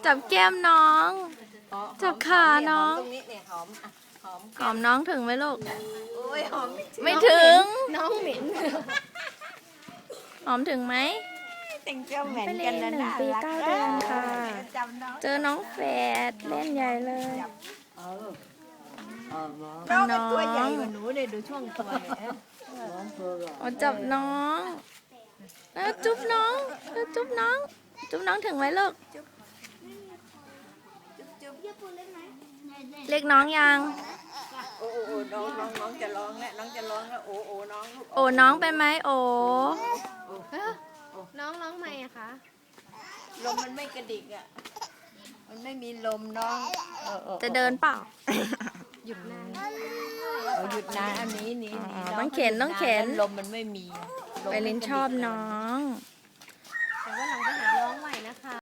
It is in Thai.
จับแก้มน้อง จับขาน้องตรงนี้เนี่ยหอมอ่ะหอมหอมน้องถึงไหมลูกโอ้ยหอมไม่ถึงน้องเหม็นหอมถึงไหมแต่งเจ้าเหม็นไปเล่กันนนะ 1 ปี 9 เดือนค่ะจำน้องเจอน้องแฝดเล่นใหญ่เลยน้องเป็นตัวใหญ่กว่าหนูเลยดูช่วงตัวเนี่ยโอ้จับน้องแล้วจุ๊บน้องแล้วจุ๊บน้อง จุ๊บน้องถึงไหมลูก เรียกน้องยังโอ้โอ้น้องจะร้องแล้วน้องจะร้องแล้วโอ้โอ้น้องลูกโอ้น้องไปไหมโอ้น้องร้องไหมอะคะลมมันไม่กระดิกอ่ะมันไม่มีลมน้องจะเดินเปล่าหยุดนานหยุดนานอันนี้อ๋อต้องเข็นต้องเข็นลมมันไม่มีไปลินชอบน้อง